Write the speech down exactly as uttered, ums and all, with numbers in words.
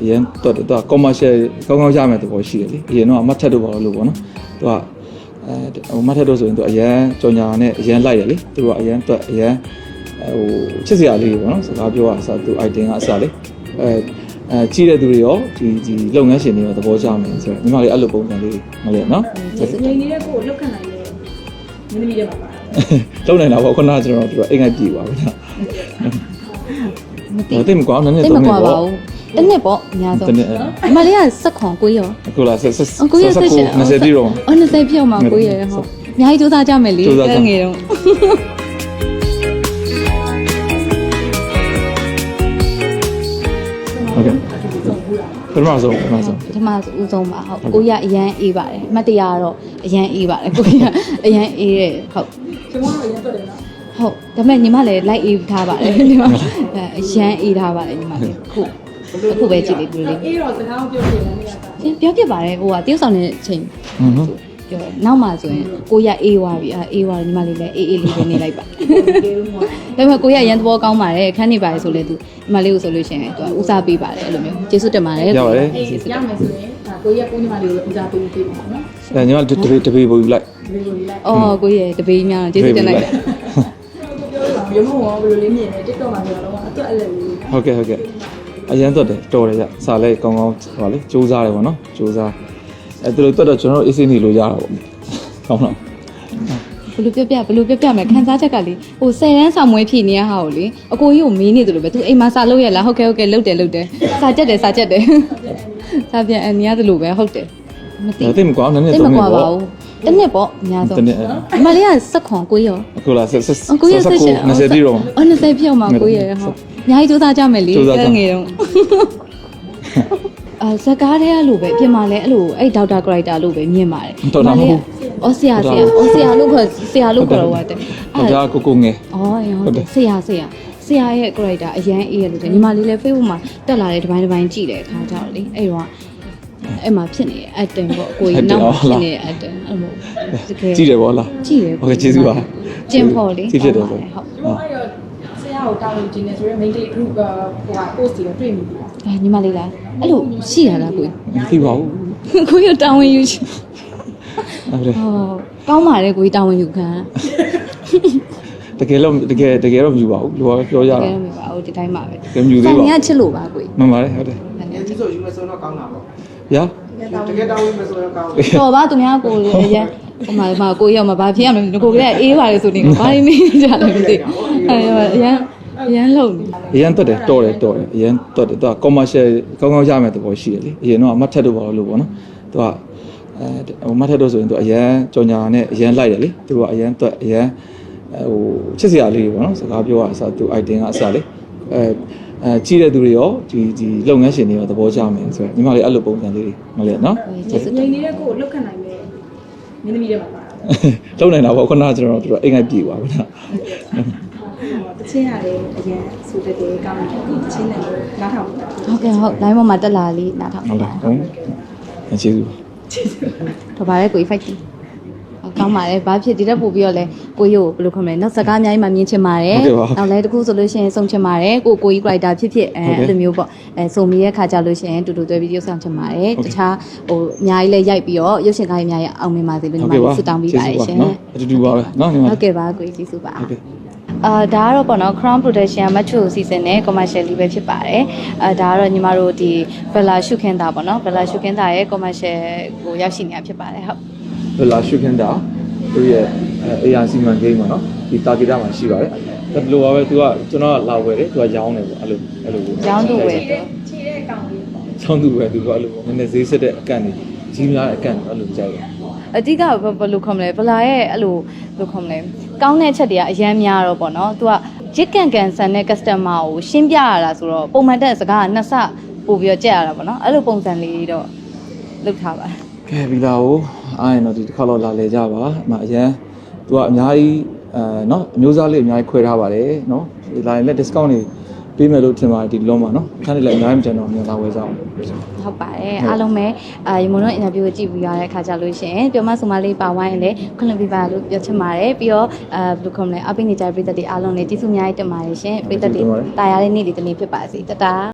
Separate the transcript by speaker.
Speaker 1: အရင်တော့တော့ commercial ကောင်းကောင်းရမယ်တဘောရှိတယ်လေအရင်တော့အမတ်ထက်တို့ပါလို့ပေါ့နော်သူကအဲဟိုမတ်ထက်တို့ဆိုရင်သူအရင်ကြော်ညာနဲ့အရင်လိုက်တယ်လေသူကအရင်တော့အရင်ဟိုချစ်စရာလေးပေါ့နော်စကားပြောတာအစားသူ item ကအစားလေအဲအဲကြီးတဲ့သူတွေရောဒီဒီလုပ်ငန်းရှင်တွေရောသဘောကျမယ်ဆိုတော့ညီမလေးအဲ့လိုပုံစံလေးမလဲနော်
Speaker 2: ငယ်နေတဲ့ကိုလောက်ခံနိုင်တယ်မင်းသမီးတွေပါပါ
Speaker 1: လုံနိုင်တာပေါ့ခုနကကျွန်တော်တို့အိမ်ငိုက်ပြေပါဘူးနော်မသိမကွာနည်းနည်းတော့မကွာပါဘူး
Speaker 3: တနစ်ပေါ့အများဆုံးအမလေးကစက်ခွန်ကိုရော
Speaker 1: အခုလားဆက်ဆက်
Speaker 3: ကိုရဆက်ရှင်
Speaker 1: 20ပြည့်တော့
Speaker 3: အော်20ပြည့်မှာကိုရဟုတ်အများကြီးစူးစမ်းကြမယ်လေငယ်တော့
Speaker 1: ဟုတ်ကဲ့ပထမဆုံးပထမဆုံး
Speaker 3: ပထမဦးဆုံးပါဟုတ်ကိုရအရန်အေးပါတယ်အမှတ်တရတော့အရန်အေးပါတယ်ကိုရအရန်အေးတဲ့ဟုတ်
Speaker 2: ကျွန်တော်တို့အရင်တွေ့တယ်နော်
Speaker 3: ဟုတ်ဒါပေမဲ့ညီမလည်းလိုက်အေးထားပါတယ်ညီမအရန်အေးထားပါတယ်ညီမလေးခုအခုပဲကြည့်လေးဒီလိုလေး
Speaker 2: အေးတော့စကားပြောပြတယ်နေ
Speaker 3: ရာပြောပြပါတယ်ဟိုကတယောက်ဆောင်တဲ့အချိန်ပြောနောက်မှဆိုရင်ကိုရအေးွားပြီအေးွားညီမလေးလည်းအေးအေးလေးပဲနေလိုက်ပါဒါပေမဲ့ကိုရရန်သဘောကောင်းပါတယ်ခန်းနေပါတယ်ဆိုလဲသူညီမလေးကိုဆိုလို့ရှိရင်သူကဦးစားပေးပါတယ်အဲ့လိုမျိုးကျေးဇူးတင်ပါတယ်
Speaker 1: ရပါတယ်
Speaker 2: အေးရမယ်ဆိုရင်ဒါကိုရကိုညီမလေးကိုဦးစားပေးပေးပါနော်
Speaker 1: အဲညီမတပေတပေပို့ယူလိုက်
Speaker 2: တပေပို့ယူလိုက်
Speaker 3: အော်ကိုရတပေများကျေးဇူးတင်လိုက်
Speaker 2: ရုံးမောဘယ်လိုလေးမြင်လဲ TikTok မှာပြောတော့အတွက်အဲ့လိုလေး
Speaker 1: ဟုတ်ကဲ့ဟုတ်ကဲ့အရင်တော့တယ်တော်တယ်ကြစာလဲကောင်းကောင်းဟောလေစူးစားတယ်ပေါ့နော်စူးစားအဲသူတို့တော့ကျွန်တော်တို့အေးစင်းနေလို့ရတာပေါ့ကောင်းတော့
Speaker 3: ဘလို့ပြပြဘလို့ပြပြမယ်ခန်းစားချက်ကလေဟိုဆယ်တန်းဆောင်မွေးဖြည့်နေရဟာကိုလေအကိုကြီးကိုမေးနေတယ်လို့ပဲသူအိမ်မှာစာလုပ်ရလားဟုတ်ကဲ့ဟုတ်ကဲ့လုပ်တယ်လုပ်တယ်စာကြက်တယ်စာကြက်တယ်စာပြန်အနီးရတယ်လို့ပဲဟုတ်တယ်
Speaker 1: မသိသိမကွာနည်းနည်း
Speaker 3: တော့မကွာပါဘူးတနစ်ပေါ့အများဆုံးအမလေးကစက်ခွန်ကိုရော
Speaker 1: အခုလားဆက်ဆက်
Speaker 3: ကိုရဆက်ရှင်
Speaker 1: 20ပြည့်တော့
Speaker 3: အော်20ပြည့်မှာကိုရဟုတ်အများကြီးစူးစမ်းကြမယ်လေငယ်တော့အာဇကားတဲ့အဲ့လိုပဲပြင်မာလဲအဲ့လိုအဲ့ဒေါက်တာကရိုက်တာလို့ပဲမြင်ပါတယ်
Speaker 1: တော်တော်မဟုတ်
Speaker 3: အော်ဆရာဆရာအော်ဆရာလို့ခေါ်ဆရာလို့ခေါ်တော့ဟုတ်တယ်
Speaker 1: အဲ့ဒါကိုကိုငယ်
Speaker 3: အော်ဟုတ်တယ်ဆရာဆရာဆရာရဲ့ character အရန်အေးရလို့တယ်ညီမလေးလည်း Facebook မှာတက်လာတဲ့ဒီပိုင်းဒီပိုင်းကြည့်တယ်အခါကျတော့လေအဲ့တော့အဲ့မှာဖြစ်နေတယ် acting ပေါ့အကိုကြီးနောက်ဖြစ်နေတဲ့ acting အဲ့လို
Speaker 1: တကယ်ကြည့်တယ်ပေါ့လား
Speaker 3: ကြည့်တယ်
Speaker 1: ဟုတ်ကဲ့ကျေးဇူးပါ
Speaker 3: ကျင်းဖို့လေ
Speaker 1: ကြည့်ဖြစ်တယ်ဆို
Speaker 2: ဟုတ်အဲ့တော့ဆရာကိုတာဝန်ကျင်းနေဆိုရင် main day group ဟိုက post တွေတွေ့မိပြီ
Speaker 3: အဲညီမလေးလားအဲ့လိုရှိရလားကို
Speaker 1: မသိပါဘူး
Speaker 3: ကိုရတာဝန်ယူချင်ဟုတ်တယ်ဟောကောင်းပါတယ်ကိုကြီးတာဝန်ယူခံ
Speaker 1: တကယ်လို့တကယ်တကယ်တော့မယူပါဘူးလူကပြောရတာတကယ်
Speaker 3: တော့မယူပါဘူးဒီတိုင်းပါပဲ
Speaker 1: တကယ်မယူသေးပါဘူး
Speaker 3: ဆန်ရချစ်လို့ပါကို
Speaker 1: မှန်ပါတယ်ဟုတ်တယ်
Speaker 4: ဒီဆိုယူမယ်ဆိုတော့ကောင်းတာပေါ့
Speaker 1: ရာ
Speaker 4: တကယ်တောင်းဝင်မယ်ဆိုတော့ကောင်းတယ်
Speaker 3: တော်ပါသူများကိုလည်းအရင်ဟိုမှာမှာကိုရောက်မှာဘာဖြစ်ရမလဲကိုကလည်းအေးပါလေဆိုနေဘာလို့မေးကြလဲမသိအဲအရင်အရင်လုံနေ
Speaker 1: အရင်တော့တယ်တော်တယ်တော်တယ်အရင်တော့တယ်သူက commercial ကောင်းကောင်းရမယ်တဘောရှိတယ်လေအရင်တော့အမတ်ထက်တို့ပါလို့ပေါ့နော်သူကအဲဟိုမတ်ထက်တို့ဆိုရင်သူအရင်ကြော်ညာနဲ့အရင်လိုက်တယ်လေသူကအရင်တော့အရင်ဟိုချစ်စရာလေးပေါ့နော်စကားပြောတာအစားသူ item ကအစားလေအဲအဲကြီးတဲ့သူတွေရောဒီဒီလုပ်ငန်းရှင်တွေရောသဘောကျမယ်ဆိုတော့ညီမလေးအဲ့လိုပုံစံလေးမလဲနော်
Speaker 2: ငယ်နေတဲ့ကိုလောက်ခံနိုင်တယ်မင်းသမီးတွေပါပါ
Speaker 1: လုံနိုင်တာပေါ့ခုနကကျွန်တော်တို့အိမ်ငိုက်ပြေပါဘူးနော်
Speaker 2: တချင်းရတယ်အရင်ဆိုတဲ့တေကောင်းတယ်တချင်းနဲ့နားထောင်တာ
Speaker 3: ဟုတ်ကဲ့ဟုတ် line ပေါ်မှာတက်လာလေးနားထောင်
Speaker 1: ဟုတ်လားဟုတ်ကျေးဇူး
Speaker 3: တော့ဗါလဲကို fight ကောင်းပါတယ်ဘာဖြစ်ဒီတက်ပို့ပြီးတော့လဲကိုကြီးကိုဘယ်လိုခေါ်မလဲနောက်စကားအများကြီးမှမြင်ချင်ပါတယ်နောက်လဲတခုဆိုလို့ရှိရင်စုံချင်ပါတယ်ကိုကိုကြီး character ဖြစ်ဖြစ်အဲအဲ့လိုမျိုးပေါ့အဲစုံမိရဲ့ခါကြလို့ရှိရင်တူတူတွဲပြီးရုပ်ဆောင်ချင်ပါတယ်တခြားဟိုအများကြီးလဲရိုက်ပြီးတော့ရုပ်ရှင်ကားကြီးအများကြီးအောင်မြင်ပါစေလို့ညီမဆုတောင်းပေးပါတယ်ရှင်
Speaker 1: အတူတူပါပဲနော်ညီမ
Speaker 3: ဟုတ်ကဲ့ပါကိုကြီးကျေးဇူးပါအာဒါကတော့ပေါ့နော် Crown Production မချိုစီစဉ်တဲ့ commercial လေးပဲဖြစ်ပါတယ်အာဒါကတော့ညီမတို့ဒီ Bella ရှုခင်းတာပေါ့နော် Bella ရှုခင်းတာရဲ့ commercial ကိုရောက်ရှိနေတာဖြစ်ပါတယ်ဟုတ်
Speaker 1: Bella ရှုခင်းတာသူရဲ့အေးအာစီမန်ဂိမ်းပေါ့နော်ဒီတာဂီတာမှာရှိပါတယ်ဒါဘယ်လိုပါပဲသူကကျွန်တော်ကလာဝယ်တယ်သူကရောင်းတယ်ပေါ့အဲ့လိုအဲ့လို
Speaker 3: ရောင်းသူဝယ်တယ်
Speaker 2: ခြေတဲ့ကောင်လေးပေါ့
Speaker 1: ရောင်းသူဝယ်သူကအဲ့လိုနည်းနည်းဈေးစစ်တဲ့အကန့်ကြီးကြီးများတဲ့အကန့်အဲ့လိုကြိုက်တယ်
Speaker 3: အတိကဘယ်လိုခေါ်မလဲဗလာရဲ့အဲ့လိုဘယ်လိုခေါ်မလဲကောင်းတဲ့အချက်တွေကအများများတော့ပေါ့နော်သူကရစ်ကန်ကန်ဆန်တဲ့ customer ကိုရှင်းပြရတာဆိုတော့ပုံမှန်တဲ့စကားကနှစ်ဆပို့ပြီးတော့ကြက်ရတာပေါ့နော်အဲ့လိုပုံစံလေးတော့လုပ်ထားပါ
Speaker 1: ကဲပြီလားဟိုအားရင်တော့ဒီတစ်ခါတော့လာလေကြပါအမအရင်သူကအများကြီးအဲเนาะအမျိုးသားလေးအများကြီးခွဲထားပါတယ်เนาะဒီလာရင်လည်း discount တွေပေးမယ်လို့ထင်ပါတယ်ဒီလုံးမှာเนาะခန်းလေးလည်းအများကြီးမကျန်တော့မြန်လာဝယ်ကြအောင်
Speaker 3: ဟုတ်ပါတယ်အားလုံးပဲအာရေမွန်တို့ interview ကိုကြည့်ပြီးရတဲ့ခါကြလို့ရှိရင်ပြောမဆိုမလေးပါဝိုင်းလည်းခွင့်လွှတ်ပေးပါလို့ပြောချင်ပါတယ်ပြီးတော့အာဘယ်လိုခေါ်မလဲအပိနေကြပြည်သက်တွေအားလုံးလည်းကျေးဇူးအများကြီးတင်ပါတယ်ရှင်ပြည်သက်တွေတာယာတဲ့နေ့ဒီတနေ့ဖြစ်ပါစေတတာ